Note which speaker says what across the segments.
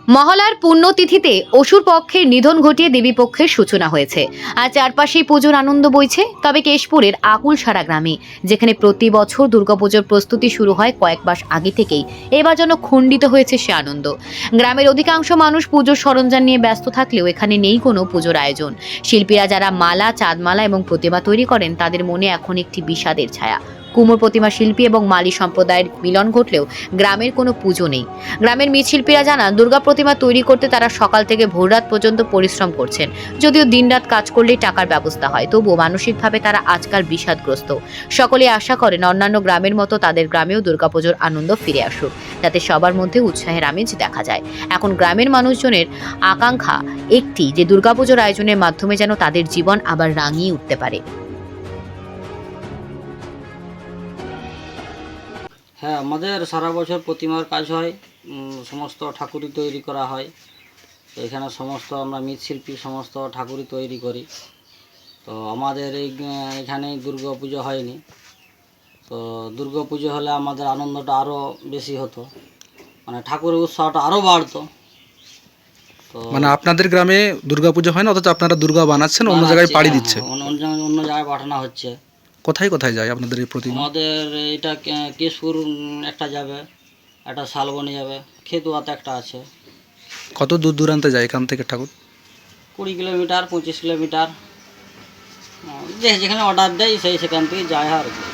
Speaker 1: মহালয়ার পুণ্যতিথিতে অসুর পক্ষের নিধন ঘটিয়ে দেবী পক্ষের সূচনা হয়েছে। আর চারপাশেই পুজোর আনন্দ বইছে। তবে কেশপুরের আকুলসারা গ্রামে, যেখানে প্রতি বছর দুর্গাপুজোর প্রস্তুতি শুরু হয় কয়েক মাস আগে থেকেই, এবার যেন খণ্ডিত হয়েছে সে আনন্দ। গ্রামের অধিকাংশ মানুষ পুজোর সরঞ্জাম নিয়ে ব্যস্ত থাকলেও এখানে নেই কোনো পুজোর আয়োজন। শিল্পীরা যারা মালা, চাঁদমালা এবং প্রতিমা তৈরি করেন, তাদের মনে এখন একটি বিষাদের ছায়া। কুমোর প্রতিমা শিল্পী এবং মালি সম্প্রদায়ের মিলন ঘটলেও গ্রামের কোনো পুজো নেই। গ্রামের মৃৎশিল্পীরা জানান, দুর্গা প্রতিমা তৈরি করতে তারা সকাল থেকে ভোররাত পর্যন্ত পরিশ্রম করছেন। যদিও দিনরাত কাজ করলেই টাকার ব্যবস্থা হয়, তবুও মানসিকভাবে তারা আজকাল বিষাদগ্রস্ত। সকলে আশা করেন অন্যান্য গ্রামের মতো তাদের গ্রামেও দুর্গাপুজোর আনন্দ ফিরে আসুক, যাতে সবার মধ্যে উৎসাহের আমেজ দেখা যায়। এখন গ্রামের মানুষজনের আকাঙ্ক্ষা একটি, যে দুর্গাপুজোর আয়োজনের মাধ্যমে যেন তাদের জীবন আবার রাঙিয়ে উঠতে পারে।
Speaker 2: হ্যাঁ, আমাদের সারা বছর প্রতিমার কাজ হয়। সমস্ত ঠাকুরই তৈরি করা হয়। তো এখানে সমস্ত আমরা মৃৎশিল্পী সমস্ত ঠাকুরই তৈরি করি। তো আমাদের এখানে দুর্গা পুজো হয়নি। তো দুর্গা পুজো হলে আমাদের আনন্দটা আরও বেশি হতো, মানে ঠাকুরের উৎসাহটা আরও বাড়তো। তো
Speaker 3: মানে আপনাদের গ্রামে দুর্গাপুজো হয় না, অথচ আপনারা দুর্গা বানাচ্ছেন, অন্য জায়গায়
Speaker 2: বানাচ্ছি,
Speaker 3: পাড়ি
Speaker 2: হ্যাঁ
Speaker 3: দিচ্ছে।
Speaker 2: হ্যাঁ, অন্য জায়গায় পাঠানো হচ্ছে।
Speaker 3: কোথায় কোথায় যায় আপনাদের এই প্রতিমা?
Speaker 2: আমাদের এটা কেশপুর একটা যাবে, একটা শালবনি যাবে, খেতুয়াতে একটা আছে।
Speaker 3: কত দূর দূরান্তে যায় এখান থেকে ঠাকুর?
Speaker 2: 20 কিলোমিটার 25 কিলোমিটার, যে যেখানে অর্ডার দেয় সেখান থেকে যায় আর কি।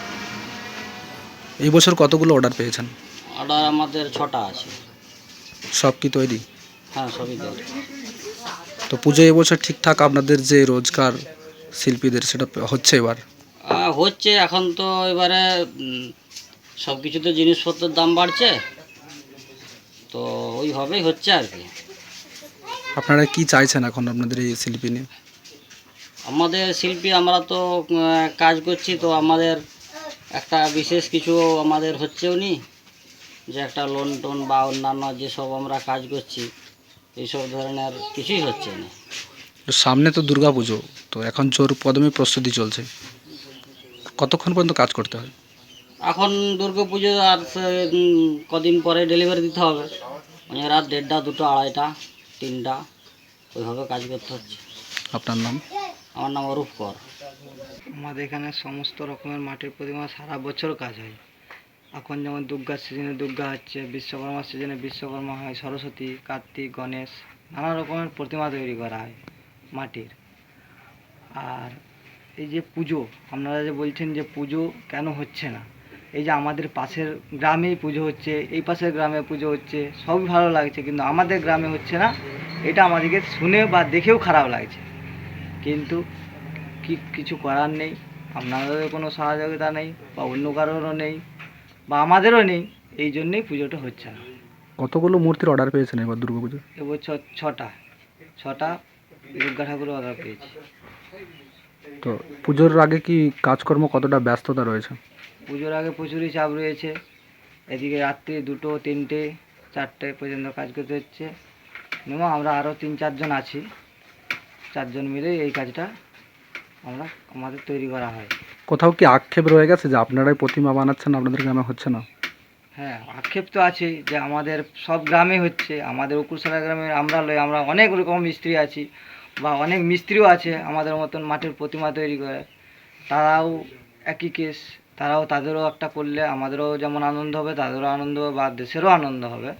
Speaker 3: এই বছর কতগুলো অর্ডার পেয়েছেন?
Speaker 2: অর্ডার আমাদের 6টা আছে।
Speaker 3: সব কি তৈরি?
Speaker 2: হ্যাঁ, সবই তৈরি।
Speaker 3: তো পুজো এবছর ঠিকঠাক আপনাদের যে রোজগার শিল্পীদের সেটা হচ্ছে এবার?
Speaker 2: হচ্ছে এখন তো এবারে সব কিছুতে জিনিসপত্রের দাম বাড়ছে, তো ওইভাবেই হচ্ছে আর কি।
Speaker 3: আপনারা কি চাইছেন এখন আপনাদের এই শিল্পী নিয়ে?
Speaker 2: আমাদের শিল্পী আমরা তো কাজ করছি, তো আমাদের একটা বিশেষ কিছু আমাদের হচ্ছেও নি, যে একটা লোন টোন বা অন্যান্য যেসব আমরা কাজ করছি এইসব ধরনের কিছুই হচ্ছে না।
Speaker 3: তো সামনে তো দুর্গাপুজো, তো এখন জোর কদমে প্রস্তুতি চলছে, কতক্ষণ পর্যন্ত কাজ করতে হয়?
Speaker 2: এখন দুর্গা পুজো আর কদিন পরে ডেলিভারি দিতে হবে, মানে রাত 1:30, 2টো, 2:30, 3টা, ওইভাবে কাজ করতে হচ্ছে।
Speaker 3: আপনার নাম?
Speaker 2: আমার নাম অরূপ কর।
Speaker 4: আমাদের এখানে সমস্ত রকমের মাটির প্রতিমা সারা বছর কাজ হয়। এখন যেমন দুর্গার সিজনে দুর্গা হচ্ছে, বিশ্বকর্মার সিজনে বিশ্বকর্মা হয়, সরস্বতী, কার্তিক, গণেশ, নানা রকমের প্রতিমা তৈরি করা হয় মাটির। আর এই যে পুজো, আপনারা যে বলছেন যে পুজো কেন হচ্ছে না, এই যে আমাদের পাশের গ্রামেই পুজো হচ্ছে, এই পাশের গ্রামে পুজো হচ্ছে, সবই ভালো লাগছে, কিন্তু আমাদের গ্রামে হচ্ছে না। এটা আমাদেরকে শুনে বা দেখেও খারাপ লাগছে, কিন্তু কিছু করার নেই। আপনাদেরও কোনো সহযোগিতা নেই বা অন্য কারোরও নেই বা আমাদেরও নেই, এই জন্যেই পুজোটা হচ্ছে না।
Speaker 3: কতগুলো মূর্তির অর্ডার পেয়েছেন এবার দুর্গাপুজো?
Speaker 4: এবছর 6টা দুর্গা ঠাকুরের অর্ডার পেয়েছি।
Speaker 3: তো পুজোর আগে কি কাজকর্ম কতটা ব্যস্ততা রয়েছে?
Speaker 4: পুজোর আগে প্রচুরই চাপ রয়েছে। এদিকে রাত্রি 2টো, 3টে, 4টে পর্যন্ত কাজ করতে হচ্ছে। মিনিমাম আমরা আরও 3-4 জন আছি, 4 জন মিলে এই কাজটা আমাদের তৈরি করা হয়।
Speaker 3: কোথাও কি আক্ষেপ রয়ে গেছে যে আপনারাই প্রতিমা বানাচ্ছেন, আপনাদের গ্রামে হচ্ছে না?
Speaker 4: হ্যাঁ, আক্ষেপ তো আছেই, যে আমাদের সব গ্রামে হচ্ছে, আমাদের উকুরসারা গ্রামে আমরা অনেক রকম মিস্ত্রি আছি বা অনেক মিস্ত্রিও আছে আমাদের মতন মাটির প্রতিমা তৈরি করে। তারাও একই কেস, তাদেরও একটা করলে আমাদেরও যেমন আনন্দ হবে, তাদেরও আনন্দ হবে বা দেশেরও আনন্দ হবে।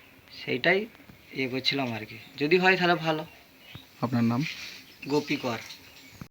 Speaker 4: সেইটাই করছিলাম আর কি, যদি হয় তাহলে ভালো।
Speaker 3: আপনার নাম?
Speaker 4: গোপী কর।